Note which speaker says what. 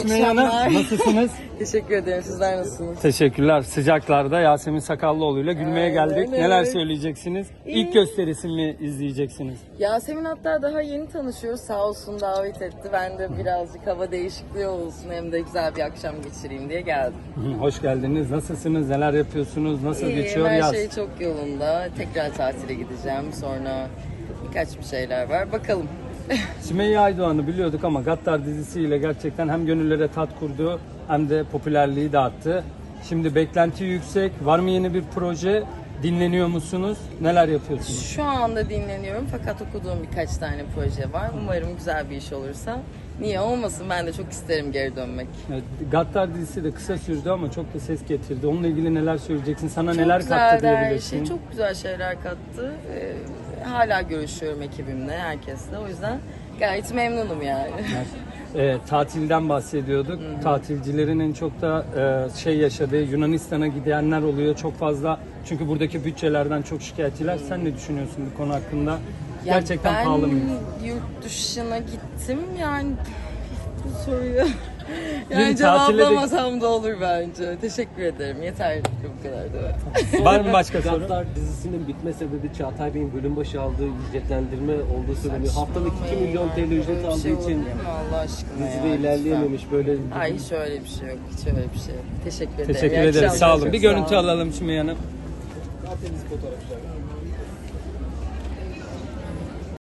Speaker 1: Sümeyye Hanım, nasılsınız?
Speaker 2: Teşekkür ederim. Sizler nasılsınız?
Speaker 1: Teşekkürler. Sıcaklarda Yasemin Sakallıoğlu'yla gülmeye geldik.
Speaker 2: evet.
Speaker 1: Neler söyleyeceksiniz? İlk gösterisini mi izleyeceksiniz?
Speaker 2: Yasemin hatta daha yeni tanışıyoruz. Sağ olsun davet etti. Ben de birazcık hava değişikliği olsun hem de güzel bir akşam geçireyim diye geldim.
Speaker 1: Hoş geldiniz. Nasılsınız? Neler yapıyorsunuz? Nasıl geçiyor
Speaker 2: her
Speaker 1: yaz?
Speaker 2: şey çok yolunda. Tekrar tatile gideceğim. Sonra birkaç bir şeyler var. Bakalım.
Speaker 1: Sümeyye Aydoğan'ı biliyorduk ama Gattar dizisiyle gerçekten hem gönüllere tat kurdu hem de popülerliği dağıttı. Şimdi beklenti yüksek. Var mı yeni bir proje? Dinleniyor musunuz? Neler yapıyorsunuz?
Speaker 2: Şu anda dinleniyorum fakat okuduğum birkaç tane proje var. Umarım güzel bir iş olursa. Niye olmasın? Ben de çok isterim geri dönmek.
Speaker 1: Evet, Gattar dizisi de kısa sürdü ama çok da ses getirdi. Onunla ilgili neler söyleyeceksin? Sana
Speaker 2: Çok
Speaker 1: neler kattı
Speaker 2: güzeldi her
Speaker 1: diyebilirsin?
Speaker 2: şey. Çok güzel şeyler kattı. Hala görüşüyorum ekibimle, herkesle. O yüzden gayet memnunum yani.
Speaker 1: Tatilden bahsediyorduk. Tatilcilerin en çok da yaşadığı Yunanistan'a gidenler oluyor çok fazla. Çünkü buradaki bütçelerden çok şikayetçiler. Sen ne düşünüyorsun bu konu hakkında? Gerçekten pahalı mı?
Speaker 2: Ben yurt dışına gittim yani bu soruyu
Speaker 1: Tatile
Speaker 2: yani
Speaker 1: de-
Speaker 2: cevaplamasam da olur bence. Teşekkür ederim. Yeter bu kadar da.
Speaker 1: Var mı başka soru?
Speaker 3: Gattar dizisinin bitme sebebi Çağatay Bey'in bölüm başı aldığı ücretlendirme olduğu söyleniyor. Haftalık 2 milyon TL ücret
Speaker 2: Öyle bir
Speaker 3: aldığı
Speaker 2: şey
Speaker 3: için
Speaker 2: olabilir mi Allah aşkına
Speaker 3: dizide
Speaker 2: ya,
Speaker 3: ilerleyememiş böyle.
Speaker 2: lütfen. Ay hiç öyle bir şey yok. Hiç öyle bir şey yok. Teşekkür ederim.
Speaker 1: Teşekkür
Speaker 2: İyi
Speaker 1: ederiz.
Speaker 2: akşamlar.
Speaker 1: Sağ olun.
Speaker 2: Çok
Speaker 1: Bir
Speaker 2: sağ
Speaker 1: görüntü
Speaker 2: olun.
Speaker 1: alalım Sümeyye Hanım.
Speaker 3: Karadeniz fotoğrafları.